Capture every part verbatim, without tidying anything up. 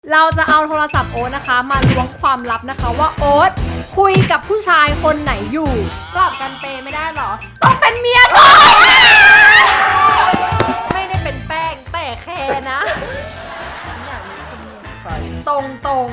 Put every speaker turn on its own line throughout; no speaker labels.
เราจะเอาโทรศัพท์โอ๊ตนะคะมาล้วงความลับนะคะว่าโอ๊ตคุยกับผู้ชายคนไหนอยู่กลับกันเปย์ไม่ได้หรอต้องเป็นเมียก่อนไม่ได้เป็นแป้งแต่แค่นะอย่างนี้คนนี้ตรงตรง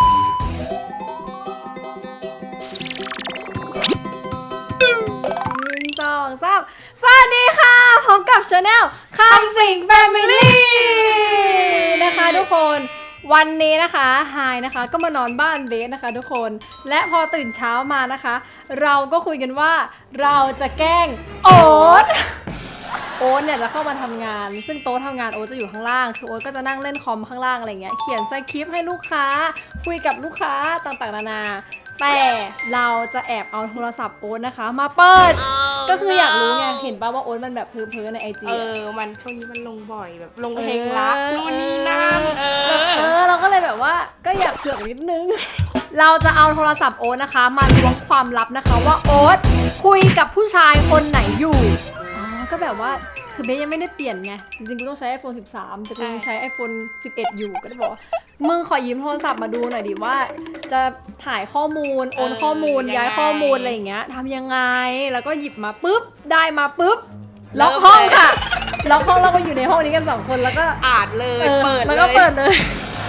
หนึ่งสองสามสวัสดีค่ะพบกับชาแนลคำสิงแฟมิลี่นะคะทุกคนวันนี้นะคะไฮนะคะก็มานอนบ้านเบสนะคะทุกคนและพอตื่นเช้ามานะคะเราก็คุยกันว่าเราจะแกล้งโอ๊ตโอ๊ตเนี่ยจะเข้ามาทำงานซึ่งโต๊ะทำงานโอ๊ตจะอยู่ข้างล่างคือโอ๊ตก็จะนั่งเล่นคอมข้างล่างอะไรเงี้ยเขียนสคริปต์ให้ลูกค้าคุยกับลูกค้าต่างๆนานาแต่เราจะแอบเอาโทรศัพท์โอ๊ตนะคะมาเปิด oh, ก็คืออยากรู้ไงเห็นป่ะว่าโอ๊ตมันแบบเพ้อๆในไอจี
เออมันช่วงนี้มันลงบ่อยแบบลงเพลงรักนู่นนี่นั่นเออเอ
อเราก็เลยแบบว่าก็อยากเผือกนิดนึง เราจะเอาโทรศัพท์โอ๊ตนะคะมาล้วงความลับนะคะว่าโอ๊ตคุยกับผู้ชายคนไหนอยู่อ๋อก็แบบว่าคือเบสยังไม่ได้เปลี่ยนไงจริงๆกูต้องใช้ ไอโฟนสิบสามแต่กูยังใช้ ไอโฟนสิบเอ็ดอยู่ก็ได้บอกมึงขอยืมโทรศัพท์มาดูหน่อยดิว่าจะถ่ายข้อมูลโอนข้อมูลย้ายข้อมูลอะไรอย่างเงี้ยทำยังไงแล้วก็หยิบมาปุ๊บได้มาปุ๊บล็อกห้องค่ะล็อกห้องแล้วก็อยู่ในห้องนี้กันสองคนแล้วก็
อ่านเลยเปิดเลย
แล้วก็เปิดเลย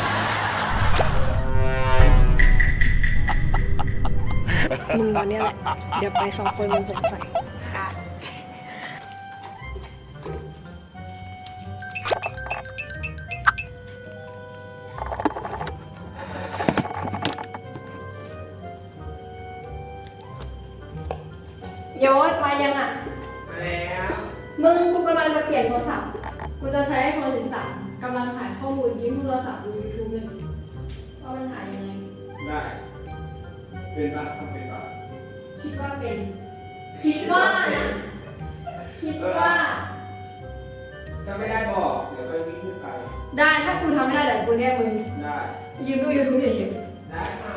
มึงตอนนี้แหละเดี๋ยวไปสองคนมึงสงสัยโยศมายังอ่ะมาแล้วมึงกูกำลังจะเปลี่ยนโทรศัพท์กูจะใช้ไอโฟนสิบสามกำลังถ่ายข้อมูลยืมโทรศัพท์ดูยูทูบเลยว่ามันถ่ายยังไง
ได้เป็นปะทำเป็นปะ
คิดว่าเป็นคิดว่านะคิดว่า
ถ้าไม่ได้บอกเดี๋ยวไปวิ่งขึ้นไป
ได้ถ้ากูทำไม่ได้เดี๋ยวกูเรียกมึง
ได้
ยืมดูยูทูบเฉยๆ
ได้ค่ะ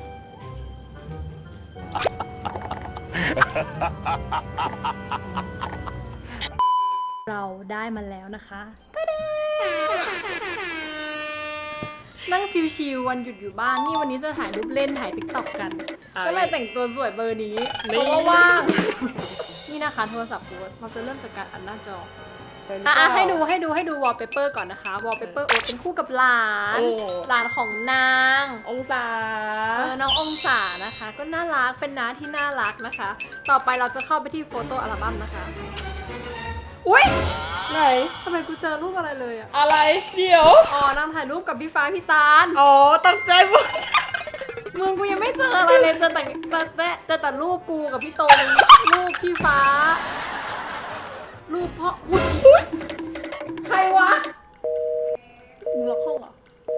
เราได้มาแล้วนะคะนั่งชิวๆวันหยุดอยู่บ้านนี่วันนี้จะถ่ายรูปเล่นถ่ายติ๊กต็อกกันก็เลยแต่งตัวสวยเบอร์นี้เพราะว่าว่างนี่นะคะโทรศัพท์กูเราจะเริ่มจากการอัดหน้าจออ่ะให้ดูให้ดูให้ดูวอลเปเปอร์ก่อนนะคะวอลเปเปอร์โอ๊ตเป็นคู่กับหลานหลานของนาง
องศา
เออน้ององศานะคะก็น่ารักเป็นน้าที่น่ารักนะคะต่อไปเราจะเข้าไปที่โฟโต้อัลบั้มนะคะอุ้ยไหนทำไมกูเจอรูปอะไรเลยอะ
อะไรเดี๋ยว
อ๋อนางถ่ายรูปกับพี่ฟ้าพี่ตาล
อ๋อตั้งใจหมด
มึงกูยังไม่เจออะไรเลยเจอแต่แต่เจอแต่รูปกูกับพี่โตนรูปพี่ฟ้ารูปพ่ออุ้ยใครวะมึงล็อกห้องเหรอ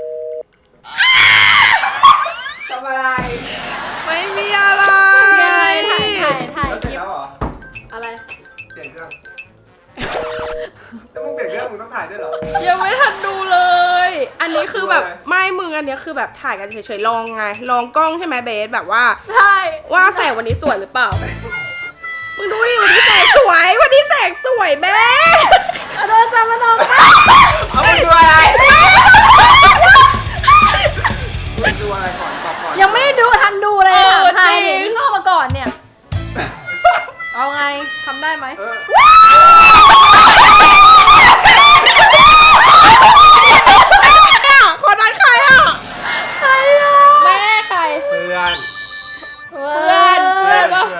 ทำอะไร
ไม่มีอะไร
ถ่ายถ่ายถ่ายถ่ายคลิปอะไร
เปลี่ยนเครื่องถ้ามึงเปลี่ยนเครื่องมึงต้องถ่ายด้วยเหรอ
ยังไม่ทันดูเลยอันนี้คือแบบไม่มึงอันนี้คือแบบถ่ายกันเฉยๆลองไงลองกล้องใช่ไหมเบสแบบว่า
ใช่
ว่าแสงวันนี้สวยหรือเปล่ามึงดูดิวันนี้แสงสวยวันนี้แสงสวยแม่
โดนจำมาลอง
เอามึงดูอะไรมึงดูอะไรก่อนตอบก่อน
ยังไม่ได้ดูทันดูเลยค่ะถ่ายเห็นเข้ามาก่อนเนี่ยเอาไงทำได้ไหม
คนนั้นใครอ่ะ
ใครอ่ะ
แม่ใคร
เพื่อน
เพื่อนเพื่อนป่ะ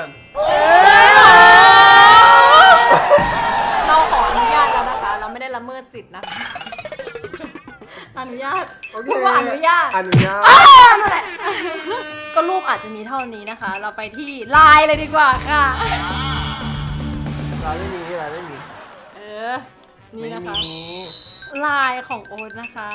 เราขออนุญาตแล้วนะคะเราไม่ได้ละเมิดสิทธิ์นะคะอนุญาตพูดว่าอนุญาต
อนุญาต
นั่นแหละก็รูปอาจจะมีเท่านี้นะคะเราไปที่ไลน์เลยดีกว่าค่ะ
ไลน์ไม่มีไลน์ไม่มี
เออนี่นะคะไลน์ของโอ๊ตนะคะ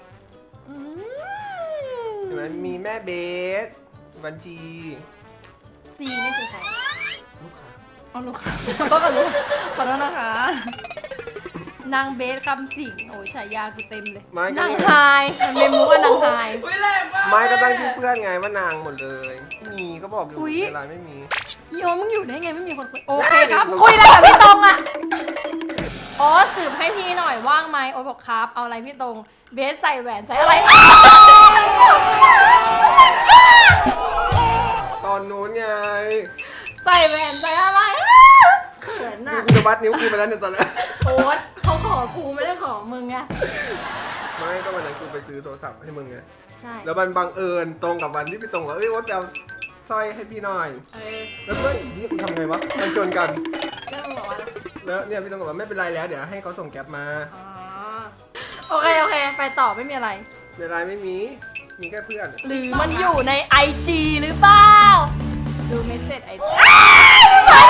เห็นไหมมีแม่เบสบัญชี
ซีนี่คือใคร
ลูกค้า
อ๋อลูกค้าก็กับลูกขอโทษนะคะนางเบสคำสิงโอ้ยฉายากูเต็มเลยนางไฮมันเมมูว่านางไฮ
ไม่ก็ตั้งชื่อเพื่อนไงว่านางหมดเลยมีก็บอกอยู่ในไลน์ไม่มี
โยมึงอยู่ได้ไงไม่มีคนคุยโอเคครับคุยอะไรกับพี่ตรงอ่ะโอ๊ตสืบให้พี่หน่อยว่างไหมโอ๊ตบอกครับเอาอะไรพี่ตรงเบสใส่แหวนใส่อะไร
ตอนนู้นไง
ใส่แหวนใส่อะไรเขิน
นี่
อ่ะ
กูจะวัดนิ้วกูไปแล้วเนี่ยตอนแรก
โอ๊ตเขาขอกูไม่ได้ขอมึงไง
ไม่ก็วันนั้นกูไปซื้อโทรศัพท์ให้มึงไง
ใช่
แล้วมันบังเอิญตรงกับวันที่พี่ตรงว่าเอ้ยว่าจะเอาสร้อยให้พี่หน่อย
เออ
แล้วก็นี่กูทำไงวะมันชนกัน
เรื่องบอกว่า
แล้วเนี่ยพี่ตรงบอกว่าไม่เป็นไรแล้วเดี๋ยวให้เขาส่งแก๊ปมา
อ๋อโอเคโอเคไปต่อไม่มีอะไร
ในไลน์ไม่มี มีแค่เพื่อน
หรือมันอยู่ในไอจีหรือเปล่าดูเมสเซจไอจีใช่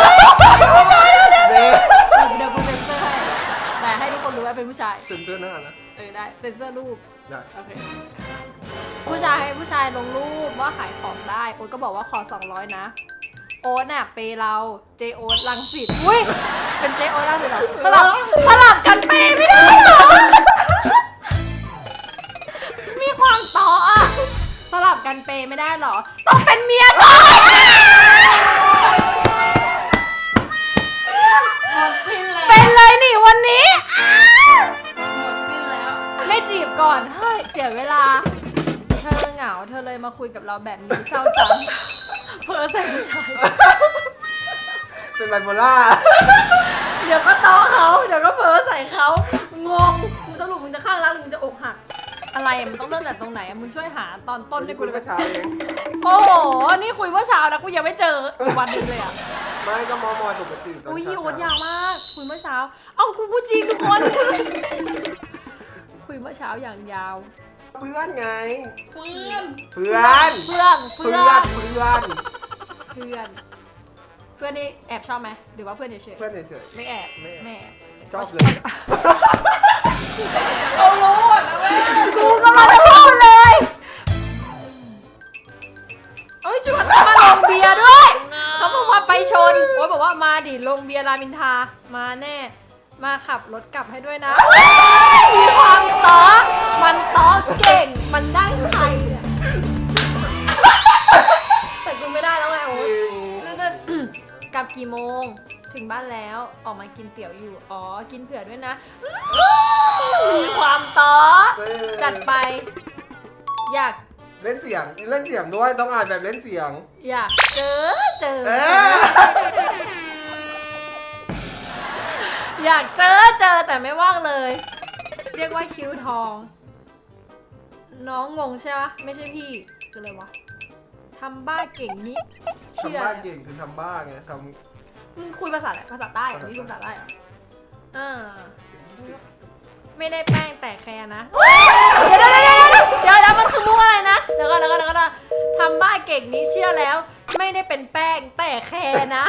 เดี๋ยวกูเซ็นเซอร์ให้แต่ให้ทุกคนรู้ว่าเป็นผู้ชาย
เซ็นเซอร์หน้านะ
เออได้เซ็นเซอร์รูป
ได้
โอเคผู้ชายให้ผู้ชายลงรูปว่าขายของได้โอ๊ตก็บอกว่าขอสองร้อยนะโอ๊ตน่ะเปย์เราเจโอ๊ตรังสิตอุ้ยเป็นเจโอ๊ตรังสิตเหรอสลับสลับกันเปย์ไม่ได้เหรอมีความต่ออ่ะสลับกันเปย์ไม่ได้เหรอต้องเป็นเมียก่อน
หมดสิ้นแล้ว
เป็นเลยนี่วันนี้
หมดสิ้นแล้ว
ไม่จีบก่อนเฮ้ยเสียเวลาเธอเหงาเธอเลยมาคุยกับเราแบบนี้เศร้าจังเพ้อใส่ผู้ชาย
เป็นไบโพล่า
เดี๋ยวก็ต้อเขาเดี๋ยวก็เพ้อใส่เขางงมึงสรุปมึงจะข้างรักหรือมึงจะอกหักอะไรอะมันต้องเริ่มจากตรงไหนอะมึงช่วยหาตอนต้นให้กู
คุย
เลย
เมื่อเช้าเอง
โอ้โหนี่คุยเมื่อเช้านะกูยังไม่เจออีกวันหนึงเลยอะ
ไม่ก็มอมอยปกติตอน
อุ้ย
เช้า
โอ๊ตยาวมากคุยเมื่อเช้าเอ้ากูพูดจริงทุกคน คุยเมื่อเช้าอย่างยาว
เพื่อนไง
เพื่อน
เพื่อน
เพื่อนเพื่
เพื่
อ
อน น เพื่อน
เพื่อน เพื่อนนี่แอบชอบไหมหรือว่าเพื่อนเฉย
เพื่อนเฉย
ๆไม่แอบ
ไม่แอบ
ไม่แอบ
ๆชอบเลย
เขารู้หมดแล้วแม่
กูก็มาจะพูดเลยเอ้ยชวนเขามาลงเบียร์ด้วย เขาบอกว่าไปชนโอ้ยบอกว่ามาดิลงเบียร์รามอินทรามาแน่ มาขับรถกลับให้ด้วยนะ มีความต้อมันต้อเก่ง มันได้ใครเนี่ยแต่กูไม่ได้แล้วไงโอ๊ยแล้วจะ กลับกี่โมง ถึงบ้านแล้วออกมากินเตี๋ยวอยู่ อ๋อ กินเผื่อด้วยนะ มีความต้อจัดไป อยาก
เล่นเสียง เล่นเสียงด้วย ต้องอ่านแบบเล่นเสียง
อยากเจอเจอ
เอ๊ะ
อยากเจอเจอแต่ไม่ว่างเลย เรียกว่าคิ้วทอง น้องงงใช่ปะไม่ใช่พี่คืออะไรวะทำบ้าเก่งนี้เชื่อ
ทำบ้าเก่งคือทำบ้าไงท
มึงคุยภาษาอะไรภาษาใต้เหรอนี่รู้ภาษาใต้เหรออ่าไม่ได้แป้งแต่แคร์นะเดี๋ยวเดี๋ยวเดี๋ยวเดี๋ยวเดี๋ยวเดี๋ยวมันคือมุกอะไรนะเดี๋ยวก่อนเดี๋ยวก่อนเดี๋ยวก่อนทำบ้าเก่งนี้เชื่อแล้ว ไม่ได้เป็นแป้งแต่แคร์นะ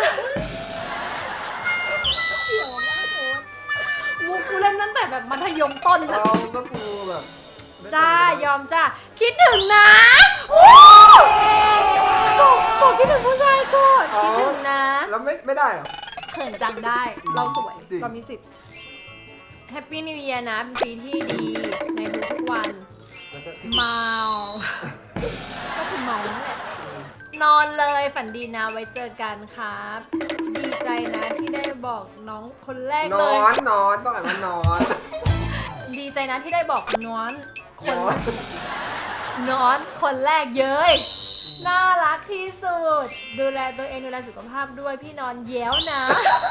เสียวมากโอ๊ตมุกกูเล่นตั้งแต่แบบมัธยมต้น
ำ
อะ
เราก็กูแบบ
จ้ายอมจ้าคิดถึงนะโอ้บอกบอกคิดถึงผู้ชายก่อนคิดถึงนะ
แล้วไม่ไม่ได้เหรอ
เขินจังได้เราสวย
จริง
เรามีสิทธิ์แฮปปี้นิว e ย r นะเป็นปีที่ดีในทุกๆวัน
แล้วก็
เมา ก็คือเมานั่นแหละนอนเลยฝันดีนะไว้เจอกันครับ ดีใจนะที่ได้บอกน้องคนแรก
น
เล
อย นนอนต้องอ่านว่านอน
ดีใจนะที่ได้บอกน้อนคน
นอน
น้อนคนแรกเย้ยน่ารักที่สุด ดูแลตัวเองดูแลสุขภาพด้วยพี่นอนแย้วนะ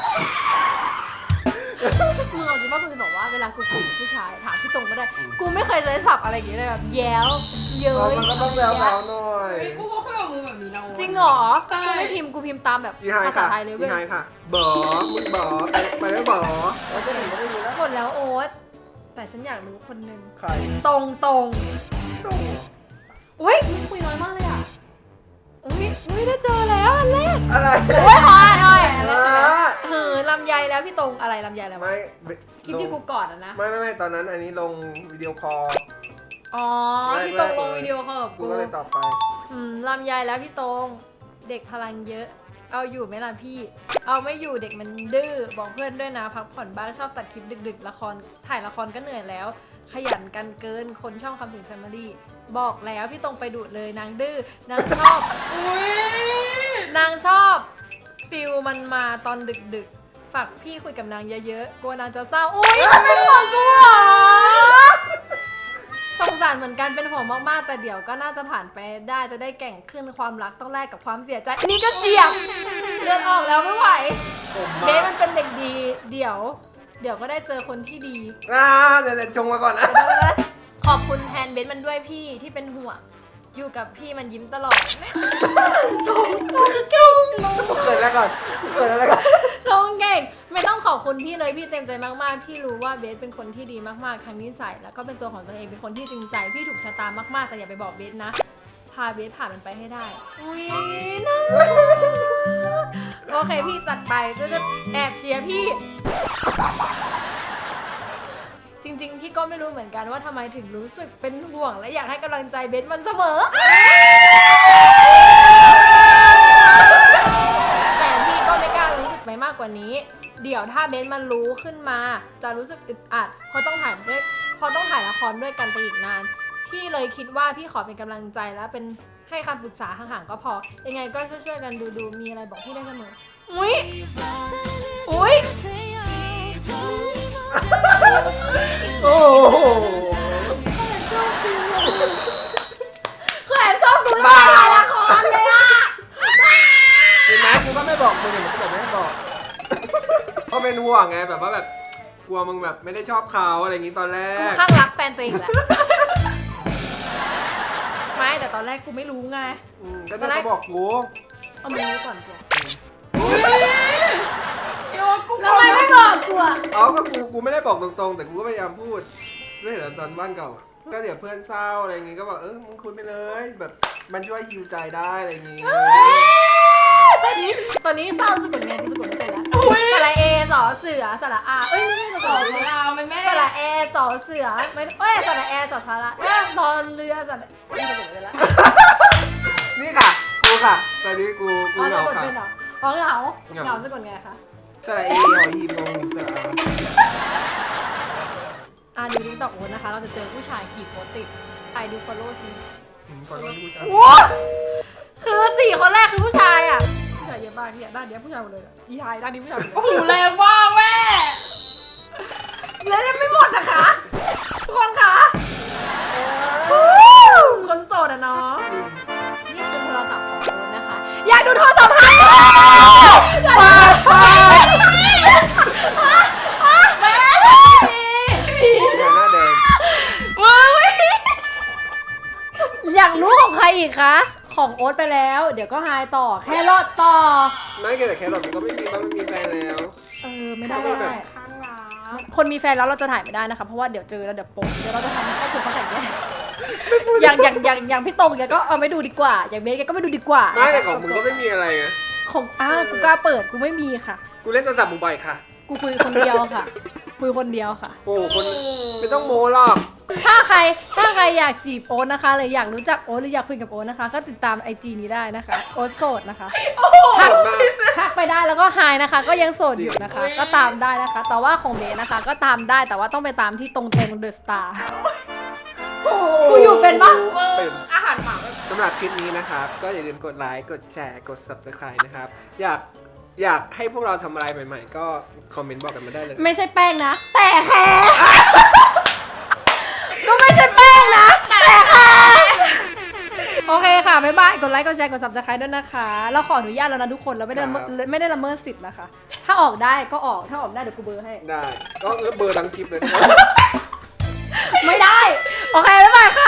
มึงเอาจริงว่ามึงจะบอกว่าเวลากูคุยกับผู้ชายถามพี่ตรงก็ได้ กูไม่เคยใช้ศัพท์อะไรอย่างเงี้ยเลยแบบแย้วเย้ย
มันก็ต้องแล้วแล้วหน่อย
เฮ้ยกูก็คุยกับมึงแบบนี้นะ
จริงเหรอ
ใช่
กูไม่พิมพ์กูพิมพ์ตามแบบ
อีไฮ
ภาษา
ค่ะ
ไทยเลย
อี
เว้ย
ไฮค่ะบอมึงบอไปไปแล้วบอแล้วจะหนีก็ไม่มีแล้ว
หมดแล้วโอ๊ตแต่ฉันอยากรู้คนหนึ่ง
ใคร
ตรงตรง
โอ้
ๆอุ้ยมึงคุยน้อยมากเลยอ่ะอุ้ยอุ้ยได้เจอแล้วอันแรก
อะไร
โอ้ยขออ่านหน่อย
อ่า
เออลำไยแล้วพี่ตรงอะไรลำไยแล้ว
ไม่
คลิปที่กูกอดอะนะ
ไม่ไม่ไม่ตอนนั้นอันนี้ลงวิดีโอคอล
อ๋อ
ไม่
พี่ตรง
ไม่
ลงวิดีโอคอลกับ
กู
กู
ก็เลยตอบไป
อืมลำไยแล้วพี่ตรงเด็กพลังเยอะ เอาอยู่ไหมล่ะพี่ เอาไม่อยู่เด็กมันดื้อบอกเพื่อนด้วยนะพักผ่อนบ้างชอบตัดคลิปดึกๆละครถ่ายละครก็เหนื่อยแล้ว ขยันกันเกินคนช่องคำสิงแฟมิลี่บอกแล้วพี่ตรงไปดูดเลยนางดื้อนางชอบ
อุ้ย
นางชอบฟิลมันมาตอนดึกฝากพี่คุยกับนางเยอะๆกลัวนางจะเศร้าอุ้ยมันเป็นห่วงกูเหรอสงสารเหมือนกันเป็นห่วงมากๆแต่เดี๋ยวก็น่าจะผ่านไปได้จะได้แกร่งขึ้นความรักต้องแลกกับความเสียใจนี่ก็เจียบเลือดออกแล้วไม่ไหว
ผม
เบ
มา
สมันเป็นเด็กดีเดี๋ยว เดี๋ยวก็ได้เจอคนที่ดี
อ่าเดี๋ยวเดี๋ยวชงมาก่อนนะ
ขอบคุณแทนเบสมันด้วยพี่ที่เป็นห่วงอยู่กับพี่มันยิ้มตลอด
เกิดแล้วก่อนเกิดแล้วก่อน
ทงเก่งไม่ต้องขอบคุณพี่เลยพี่เต็มใจมากๆพี่รู้ว่าเบสเป็นคนที่ดีมากๆทั้งนิสัยแล้วก็เป็นตัวของตัวเองเป็นคนที่จริงใจพี่ถูกชะตามากๆแต่อย่าไปบอกเบสนะพาเบสผ่านมันไปให้ได้อุ้ยน่ารักโอเคพี่จัดไปก็จะแอบเชียร์พี่ จริงๆพี่ก็ไม่รู้เหมือนกันว่าทำไมถึงรู้สึกเป็นห่วงและอยากให้กำลังใจเบสมันเสมอ แต่พี่ก็ไม่กล้ารู้สึกไปมากกว่านี้ เดี๋ยวถ้าเบสมันรู้ขึ้นมาจะรู้สึกอึดอัดเพราะต้องถ่ายด้วยเพราะต้องถ่ายละครด้วยกันไปอีกนาน พี่เลยคิดว่าพี่ขอเป็นกำลังใจและเป็นให้คำปรึกษาห่างๆก็พอ ยังไงก็ช่วยๆกันดูดูมีอะไรบอกพี่ได้เสมอ อุ้ยอุ้ย
โอ้โห
คือแอบชอบดูแล้วไม่ถ่ายละครเลยอะ
เห็นไหมกูก็ไม่บอกมึงเห็นไหมกูบอกไม่ให้บอกเพราะเป็นห่วงไงแบบว่าแบบกลัวมึงแบบไม่ได้ชอบเขาอะไรอย่างงี้ตอนแร
กู
ก
ข้างรักแฟนตัวเองแหละ ไม่แต่ตอนแรกกูไม่รู้ไง
อืมก็ต้องบอกกู
เอามือก่อนกู
โยกู
แล้วทำไมไม่บอกกูอะ
เอาก็กูกูไม่ได้บอกตรงๆ แต่กูก็พยายามพูดไม่เห็นเหรอตอนบ้านเก่าอะก็เดี๋ยวเพื่อนเศร้าอะไรอย่างงี้ก็บอกเออมึงคุยไปเลย แบบมันช่วยฮิวใจได้อะไรอย่างงี้
ตอนนี้ตอนนี้เศร้าสะกดไงกูสะกดไม่เป็นแล้วสระเอสอเสือสระอาเอ้ยไม่ใช่สะก
บอ
ด
กของเราไหมแม่
สระเอสอเสือไม่เอ้ยสระเอสอสระเอ้ยนอนเรือสระไม่สะกดไม่เป็นแล้ว
นี่ค่ะกูค่ะตอนนี้กูกู
อ๋อ
เห
สะ
งาก
ด
ค่ะ
เป็นเหรออ๋อเหงา
เหงา
เหงาสะกดไงคะ
สระเอหอหีบงงสระอา
อ่าดูทิกตอกโอ๊ตนะคะ เราจะเจอผู้ชายกี่โพสต์ติดไปดูฟอลโล่ที
อืมขอโทษที่กูจะ
โอ้คือสี่คนแรกคือผู้ชายอ่ะผู้ชายเยอะมากเนี่ยด้านเนี้ยผู้ชายหมดเลยอะอีไฮด้านนี้ผู้ชายหมดเลย
โอ้โหแรงมากแม่
แล้วยังไม่หมดนะคะทุกคนคะคนโสดอะเนาะนี่คือโทรศัพท์ของโอ๊ตนะคะอยากดูโทรศัพท์ค่ะอยากดู
แม่
อย่าหน้าแดง
อยากรู้ของใครอีกคะของโอ๊ตไปแล้ว เดี๋ยวก็ไฮต่อแค่รอดต่อ
ไม่แต่แครอทมันก็ไม่มีบ้างมันมีแฟนแล้ว
เออไม่ได้
ไม่ได้
ข้างรัก
คนมีแฟนแล้วเราจะถ่ายไม่ได้นะคะเพราะว่าเดี๋ยวเจอแล้วเดี๋ยวโป๊ะเดี๋ยวเราจะทำให้ครอบครัวเขาแตกแยกอย่างอย่างอย่างอย่างพี่ตรงแกก็เอาไม่ดูดีกว่า อย่างเบสแกก็ไม่ดูดีกว่า
ไม่แต่ของมึงก็ไม่มีอะไรไง
ของอ้าวกูกล้าเปิดกูไม่มีค่ะ
กูเล่นโทรศัพท์มึงบ่อยค่ะ
กูคุยคนเดียวค่ะ คุยคนเดียวค่ะ
โอ้โหคนไม่ต้องโม้หรอก
ถ้าใครถ้าใครอยากจีบโอ๊ตนะคะหรืออยากรู้จักโอ๊ตหรืออยากคุยกับโอ๊ตนะคะ ก็ติดตามไอจีนี้ได้นะคะโอ๊ตโสดนะคะทัก
โสดมาก
ทักไปได้แล้วก็ไฮนะคะ ก็ยังโสดอยู่นะคะ ก็ตามได้นะคะ แต่ว่าของเบสนะคะ ก็ตามได้แต่ว่าต้องไปตามที่ตรงตรงเดอะสตาร์กูอยู่เป็นปะ
เป็น
อาหารหมาแบบ
สำหรับคลิปนี้นะครับ ก็อย่าลืมกดไลค์ กดแชร์ กด ซับสไครบ์ นะครับ อยากอยากให้พวกเราทำอะไรใหม่ๆ ก็คอมเมนต์บอกกันมาได้เลย
ไม่ใช่แป้งนะ แต่แค่ก็ไม่ใช่แป้งนะ แต่แค่โอเคค่ะ บ๊ายบาย กดไลค์ กดแชร์ กด ซับสไครบ์ ด้วยนะคะ เราขออนุญาตแล้วนะทุกคน เราไม่ได้ละเมิด
ครับ
ไม่ได้ละเมิดสิทธิ์นะคะ ถ้าออกได้ก็ออก ถ้าออกไม่ได้เดี๋ยวกูเบอร์ให้
ได้ ก็เบอร์ทั้งคลิปเลยนะ
ไม่ได้ โอเค บ๊ายบายค่ะ